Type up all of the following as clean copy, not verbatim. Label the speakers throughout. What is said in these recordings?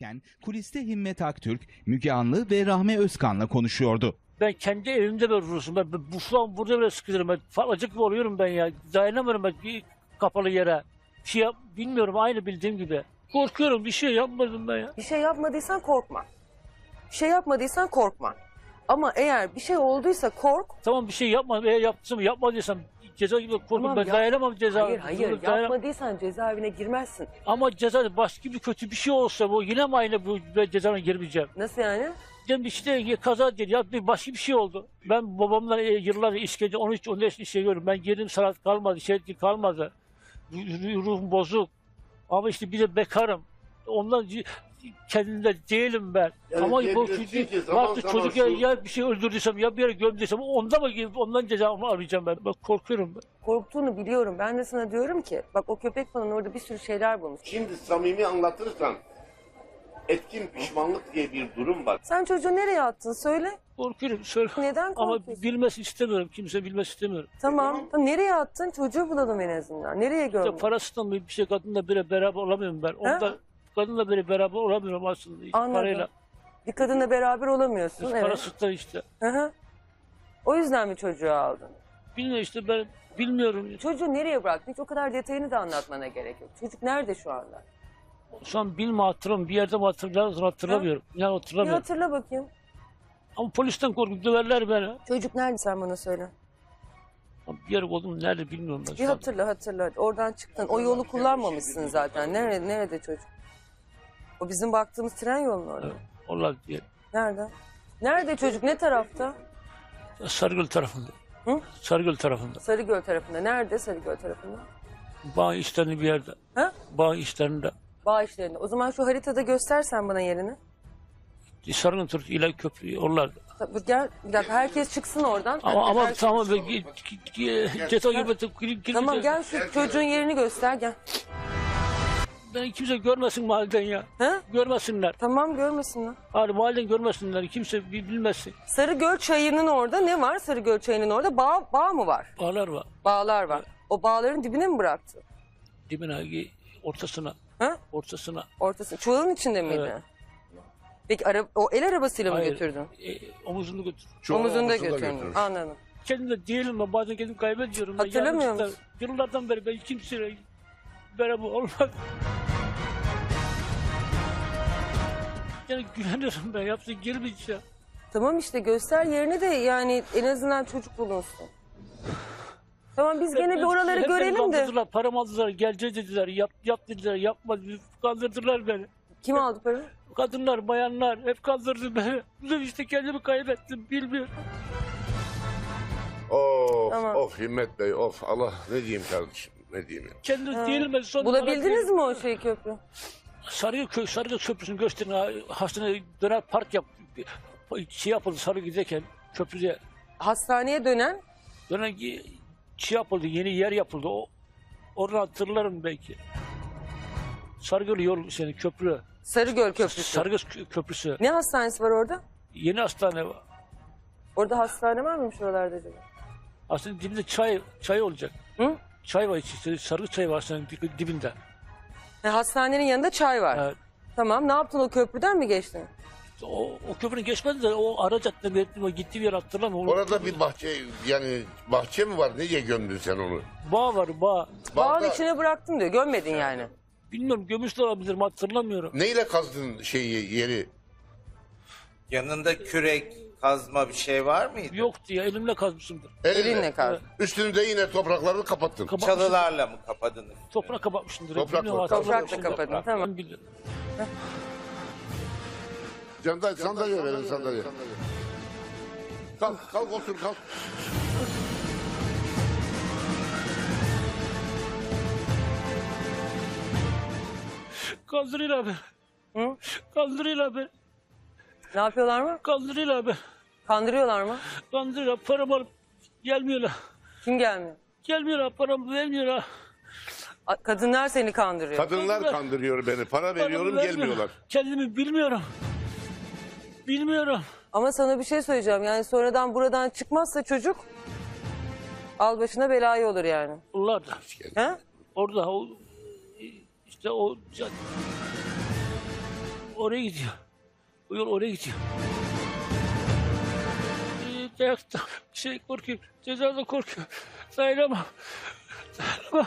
Speaker 1: Kuliste Himmet Aktürk, Müge Anlı ve Rahme Özkan'la konuşuyordu.
Speaker 2: Ben kendi evimde böyle durursun. Ben bu şu an burada bile sıkılırım. Ben falacık gibi oluyorum ben ya. Dayanamıyorum ben bir kapalı yere. Bilmiyorum, aynı bildiğim gibi. Korkuyorum, bir şey yapmadım ben ya.
Speaker 3: Bir şey yapmadıysan korkma. Bir şey yapmadıysan korkma. Ama eğer bir şey olduysa kork.
Speaker 2: Tamam, bir şey yapmadım. Eğer yapmadıysam ceza gibi korkuyorum.
Speaker 3: Tamam,
Speaker 2: Ben dayanamam ceza.
Speaker 3: Hayır yapmadıysan cezaevine girmezsin.
Speaker 2: Ama ceza başka bir kötü bir şey olsa bu yine mi aynı bu cezaevine girmeyeceğim?
Speaker 3: Nasıl yani?
Speaker 2: Dedim işte kaza değil ya, başka bir şey oldu. Ben babamla yıllarca işkence 13-14 işe görüyorum. Ben girdim, sanat kalmadı, kalmadı. Ruhum bozuk. Ama işte bir de bekarım. Ondan kendimde değilim ben.
Speaker 4: Yani
Speaker 2: ama bu çocuk ya bir şey öldürdüysem ya bir yere gömdüysem ondan cezamı arayacağım ben. Ben korkuyorum ben.
Speaker 3: Korktuğunu biliyorum. Ben de sana diyorum ki bak o köpek falan orada bir sürü şeyler bulmuş.
Speaker 4: Şimdi samimi anlatırsan etkin pişmanlık diye bir durum var.
Speaker 3: Sen çocuğu nereye attın söyle.
Speaker 2: Korkuyorum, söyle.
Speaker 3: Neden
Speaker 2: Ama
Speaker 3: korkuyorsun?
Speaker 2: bilmesi istemiyorum. Kimse bilmesi istemiyorum.
Speaker 3: Tamam. Nereye attın? Çocuğu bulalım en azından. Nereye
Speaker 2: İşte
Speaker 3: gömdün?
Speaker 2: parasından bir şey, kadınla bile beraber olamıyorum ben. Onda kadınla bile beraber olamıyorum aslında. İşte
Speaker 3: Anladım.
Speaker 2: parayla.
Speaker 3: Bir kadınla beraber olamıyorsun. Evet.
Speaker 2: Parasından işte.
Speaker 3: Hı hı. O yüzden mi çocuğu aldın?
Speaker 2: Bilmiyorum işte, ben bilmiyorum.
Speaker 3: Çocuğu nereye bıraktın? Hiç o kadar detayını da anlatmana gerek yok. Çocuk nerede şu anda?
Speaker 2: Şu an hatırlamıyorum. Bir yerde mi hatırlamıyorum. Ya
Speaker 3: Bir
Speaker 2: hatırlamıyorum.
Speaker 3: hatırla bakayım.
Speaker 2: Ama polisten korkup döverler beni.
Speaker 3: Çocuk nerede sen bana söyle.
Speaker 2: Ama bir yer oldum nerede bilmiyorum ben
Speaker 3: Bir
Speaker 2: şu an.
Speaker 3: hatırla. Oradan çıktın. O yolu kullanmamışsın zaten. Nerede çocuk? O bizim baktığımız tren yolunun orada.
Speaker 2: Evet, onlar diye.
Speaker 3: Nerede? Nerede çocuk? Ne tarafta?
Speaker 2: Sarıgöl tarafında.
Speaker 3: Hı?
Speaker 2: Sarıgöl tarafında.
Speaker 3: Sarıgöl tarafında. Nerede Sarıgöl tarafında?
Speaker 2: Bağ işlerinde bir yerde.
Speaker 3: Ha?
Speaker 2: Bağ işlerinde.
Speaker 3: Bağ işlerinde. O zaman şu haritada göstersen bana yerini.
Speaker 2: Sarıgöl tarafı İlay Köprü oralarda.
Speaker 3: Tabii, gel bir dakika herkes çıksın oradan.
Speaker 2: Ama
Speaker 3: Herkes-
Speaker 2: tamam ben ceza gibi
Speaker 3: Tamam gel şu çocuğun yerini göster gel.
Speaker 2: Beni kimse görmesin mahalleden ya.
Speaker 3: Ha?
Speaker 2: Görmesinler.
Speaker 3: Tamam görmesinler.
Speaker 2: Hani mahalleden görmesinler. Kimse bilmesin.
Speaker 3: Sarıgöl çayının orada ne var? Sarıgöl çayının orada bağ mı var?
Speaker 2: Bağlar var.
Speaker 3: Bağlar var. O bağların dibine mi bıraktı?
Speaker 2: Dibine, ortasına.
Speaker 3: Ha?
Speaker 2: Ortasına.
Speaker 3: Ortası. Çuvalın içinde miydi?
Speaker 2: Evet.
Speaker 3: Peki o el arabasıyla mı
Speaker 2: Hayır.
Speaker 3: götürdün?
Speaker 2: Omuzunu götür.
Speaker 3: Omuzunda götürdün. Anladım.
Speaker 2: Kendimde değilim ben, bazen kendimi kaybediyorum. Ben
Speaker 3: Hatırlamıyor
Speaker 2: yanlışlıkla-
Speaker 3: musun?
Speaker 2: Yıllardan beri ben kimseyle beraber olmaz. Yani güveniyorum ben, yapsın girmeyeceğim.
Speaker 3: Tamam işte göster yerini de yani en azından çocuk bulunsun. Tamam biz gene bir oraları
Speaker 2: Hep beni
Speaker 3: görelim de.
Speaker 2: kandırdılar, param aldılar, geleceğiz dediler, yap dediler, yapmadı, kandırdılar beni.
Speaker 3: Kim aldı parayı?
Speaker 2: Kadınlar, bayanlar hep kandırdı beni. İşte kendimi kaybettim, bilmiyorum.
Speaker 4: Of
Speaker 3: Tamam.
Speaker 4: of Himmet Bey of, Allah ne diyeyim kardeşim, ne diyeyim ya.
Speaker 2: Kendim değilim ben. Son
Speaker 3: Bulabildiniz mi o şeyi köprü?
Speaker 2: Sarıgöl Köprüsü'nü gösterin. Hastaneye döner park yap. Şey yapıldı Sarıgöl'deyken köprüde.
Speaker 3: Hastaneye dönen
Speaker 2: Dönen şey yapıldı, yeni yer yapıldı. Oradan hatırlarım belki. Sarıgöl yol senin köprü.
Speaker 3: Sarıgöl Köprüsü.
Speaker 2: Sarıgöl Köprüsü.
Speaker 3: Ne hastanesi var orada?
Speaker 2: Yeni hastane var.
Speaker 3: Orada hastane var mıymış oralarda acaba?
Speaker 2: Aslında dibinde çay olacak.
Speaker 3: Hı?
Speaker 2: Çay var işte, sarı çay var hastanenin dibinde.
Speaker 3: Hastanenin yanında çay var.
Speaker 2: Evet.
Speaker 3: Tamam ne yaptın o köprüden mi geçtin?
Speaker 2: O köprünün geçmedi de o ara caddede gittiği bir yer hatırlamıyorum.
Speaker 4: Orada bir bahçe, yani bahçe mi var, niye gömdün sen onu?
Speaker 2: Bağ var, bağ.
Speaker 3: Bağın
Speaker 4: Bağda-
Speaker 3: içine bıraktım diyor gömmedin yani.
Speaker 2: Bilmiyorum, gömüş de olabilir mi hatırlamıyorum.
Speaker 4: Neyle kazdın yeri?
Speaker 5: Yanında kürek, kazma bir şey var mıydı?
Speaker 2: Yoktu ya, elimle kazmışımdır.
Speaker 3: Elinle kal.
Speaker 4: Üstünü de yine topraklarını kapattın.
Speaker 5: Çalılarla mı kapadınız?
Speaker 2: Toprak kapatmışımdır.
Speaker 4: Toprak
Speaker 2: Bilmiyorum,
Speaker 4: var.
Speaker 2: hatırlamıyorum.
Speaker 3: Toprakla kapadın, tamam.
Speaker 2: Ben biliyorum.
Speaker 4: Sandalye verin, sandalye. Kalk otur kalk.
Speaker 2: Kaldırıyla abi.
Speaker 3: Hı?
Speaker 2: Kaldırıyla abi.
Speaker 3: Ne yapıyorlar mı?
Speaker 2: Kaldırıyla abi.
Speaker 3: Kandırıyorlar mı?
Speaker 2: Kaldırıyla paramı alıp gelmiyorlar.
Speaker 3: Kim gelmiyor?
Speaker 2: Gelmiyorlar, paramı vermiyorlar.
Speaker 3: Kadınlar seni kandırıyor.
Speaker 4: Kadınlar kandırıyor beni. Para veriyorum,
Speaker 2: Paramı
Speaker 4: gelmiyorlar.
Speaker 2: vermiyor. Kendimi bilmiyorum. Bilmiyorum.
Speaker 3: Ama sana bir şey söyleyeceğim. Yani sonradan buradan çıkmazsa çocuk al başına belayı olur yani.
Speaker 2: Onlar da.
Speaker 3: He?
Speaker 2: Orada o işte o oraya gidiyor. Bu yol oraya gidiyor. Dayakta korkuyorum. Cezadan korkuyorum. Dayanamam. Dayanamam.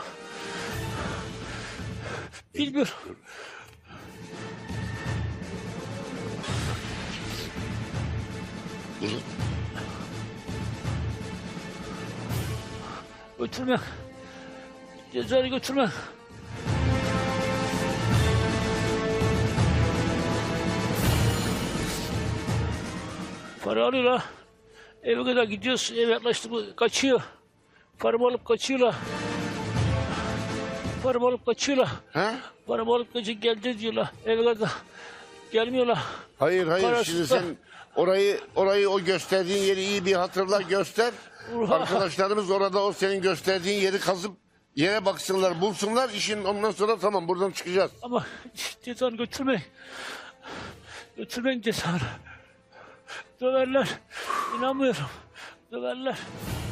Speaker 2: Bilmiyorum. Götürme. Cezayı götürme. Para alıyorlar. Eve kadar gidiyoruz. Eve yaklaştık mı kaçıyor. Paramı alıp kaçıyorlar. Paramı alıp kaçıyorlar.
Speaker 4: He?
Speaker 2: Paramı alıp kaçıp geldi diyorlar. Eve kadar gelmiyorlar.
Speaker 4: Hayır
Speaker 2: Parasız
Speaker 4: şimdi
Speaker 2: da-
Speaker 4: sen orayı o gösterdiğin yeri iyi bir hatırla göster. Arkadaşlarımız orada o senin gösterdiğin yeri kazıp yere baksınlar bulsunlar işin ondan sonra tamam buradan çıkacağız.
Speaker 2: Ama cezanı götürmeyin. Götürmeyin cezanı. Döverler. İnanmıyorum. Döverler.